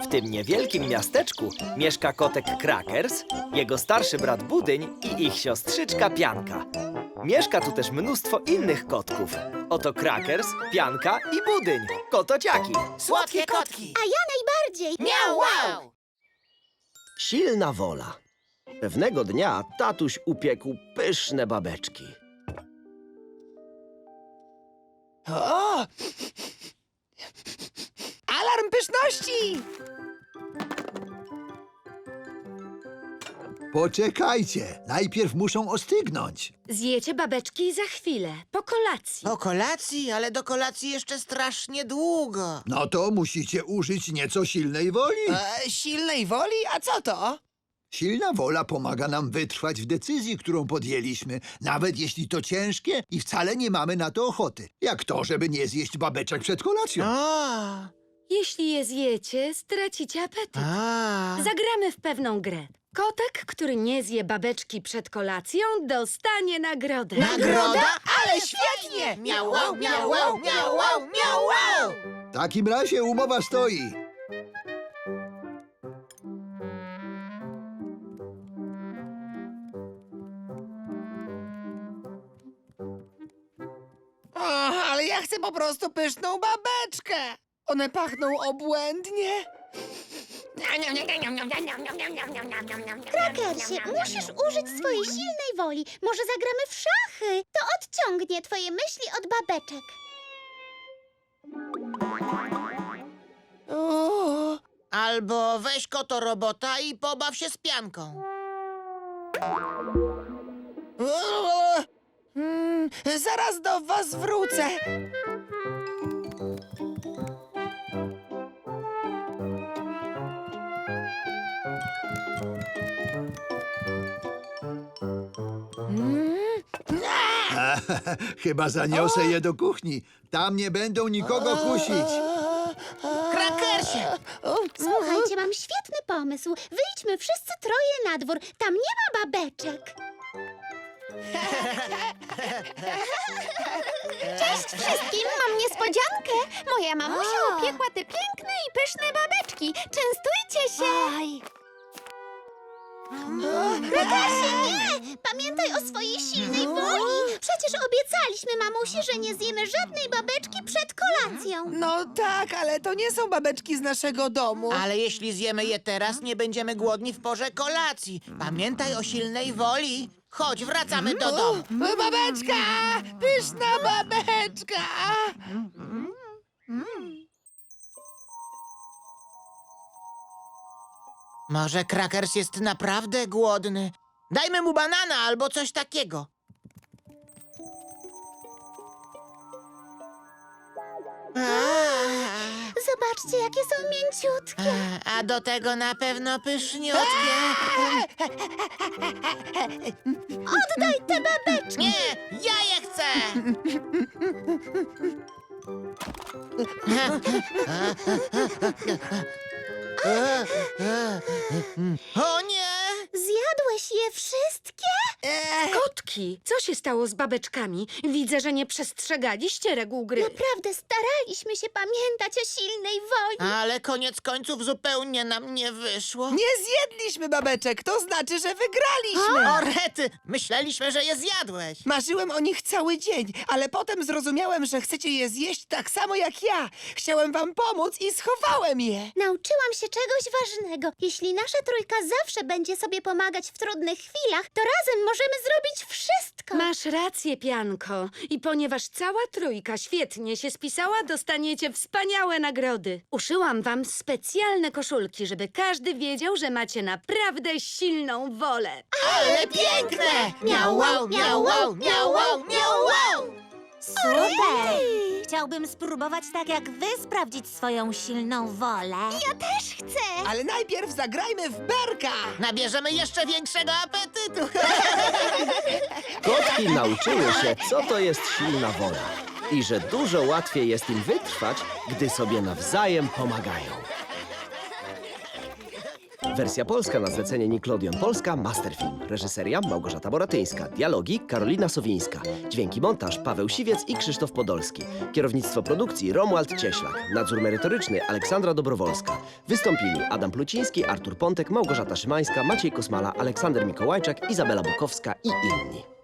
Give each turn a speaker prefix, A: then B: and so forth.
A: W tym niewielkim miasteczku mieszka kotek Crackers, jego starszy brat Budyń i ich siostrzyczka Pianka. Mieszka tu też mnóstwo innych kotków. Oto Crackers, Pianka i Budyń, kotociaki.
B: Słodkie kotki!
C: A ja najbardziej!
B: Miau, wow!
D: Silna wola. Pewnego dnia tatuś upiekł pyszne babeczki.
B: O! Alarm pyszności!
E: Poczekajcie, najpierw muszą ostygnąć.
F: Zjecie babeczki za chwilę, po kolacji.
B: Po kolacji, ale do kolacji jeszcze strasznie długo.
E: No to musicie użyć nieco silnej woli.
B: Silnej woli? A co to?
E: Silna wola pomaga nam wytrwać w decyzji, którą podjęliśmy, nawet jeśli to ciężkie i wcale nie mamy na to ochoty. Jak to, żeby nie zjeść babeczek przed kolacją.
B: A,
F: Jeśli je zjecie, stracicie apetyt. Zagramy w pewną grę. Kotek, który nie zje babeczki przed kolacją, dostanie nagrodę.
B: Nagroda? Ale świetnie! Miau, wow, miau, wow, miau, wow, miau, wow!
E: W takim razie umowa stoi.
B: O, ale ja chcę po prostu pyszną babeczkę. One pachną obłędnie.
C: Krakersie, musisz użyć swojej silnej woli. Może zagramy w szachy. To odciągnie twoje myśli od babeczek.
B: O, albo weź koto robota i pobaw się z pianką. O, zaraz do was wrócę.
E: Chyba zaniosę je do kuchni. Tam nie będą nikogo kusić.
B: Krakersie!
C: Słuchajcie, mam świetny pomysł. Wyjdźmy wszyscy troje na dwór. Tam nie ma babeczek. Cześć wszystkim, mam niespodziankę. Moja mamusia upiekła te piękne i pyszne babeczki. Częstujcie się. Krakersie, nie! Pamiętaj o swojej silnej woli. Przecież obiecaliśmy mamusi, że nie zjemy żadnej babeczki przed kolacją.
G: No tak, ale to nie są babeczki z naszego domu.
B: Ale jeśli zjemy je teraz, nie będziemy głodni w porze kolacji. Pamiętaj o silnej woli. Chodź, wracamy do domu.
G: Babeczka! Pyszna babeczka!
B: Może Krakers jest naprawdę głodny. Dajmy mu banana albo coś takiego.
C: Zobaczcie, jakie są mięciutkie.
B: A do tego na pewno pyszniutkie.
C: Oddaj te babeczki.
B: Nie, ja je chcę! O nie!
C: Zjadłeś je wszystkie?
F: Kotki, co się stało z babeczkami? Widzę, że nie przestrzegaliście reguł gry.
C: Naprawdę staraliśmy się pamiętać o silnej woli.
B: Ale koniec końców zupełnie nam nie wyszło.
G: Nie zjedliśmy babeczek, to znaczy, że wygraliśmy.
B: O rety! Myśleliśmy, że je zjadłeś.
G: Marzyłem o nich cały dzień, ale potem zrozumiałem, że chcecie je zjeść tak samo jak ja. Chciałem wam pomóc i schowałem je.
C: Nauczyłam się czegoś ważnego. Jeśli nasza trójka zawsze będzie sobie pomagać w trudnych chwilach, to razem możemy zrobić wszystko.
F: Masz rację, Pianko. I ponieważ cała trójka świetnie się spisała, dostaniecie wspaniałe nagrody. Uszyłam wam specjalne koszulki, żeby każdy wiedział, że macie naprawdę silną wolę.
B: Ale piękne! Miau, wow, miau, wow, miau, wow, miau, wow!
H: Super! Chciałbym spróbować tak jak wy sprawdzić swoją silną wolę.
C: Ja też chcę.
G: Ale najpierw zagrajmy w berka.
B: Nabierzemy jeszcze większego apetytu.
D: Kotki nauczyły się, co to jest silna wola i że dużo łatwiej jest im wytrwać, gdy sobie nawzajem pomagają. Wersja polska na zlecenie Nickelodeon Polska, Masterfilm. Reżyseria Małgorzata Boratyńska. Dialogi Karolina Sowińska. Dźwięki montaż Paweł Siwiec i Krzysztof Podolski. Kierownictwo produkcji Romuald Cieślak. Nadzór merytoryczny Aleksandra Dobrowolska. Wystąpili Adam Pluciński, Artur Pontek, Małgorzata Szymańska, Maciej Kosmala, Aleksander Mikołajczak, Izabela Bukowska i inni.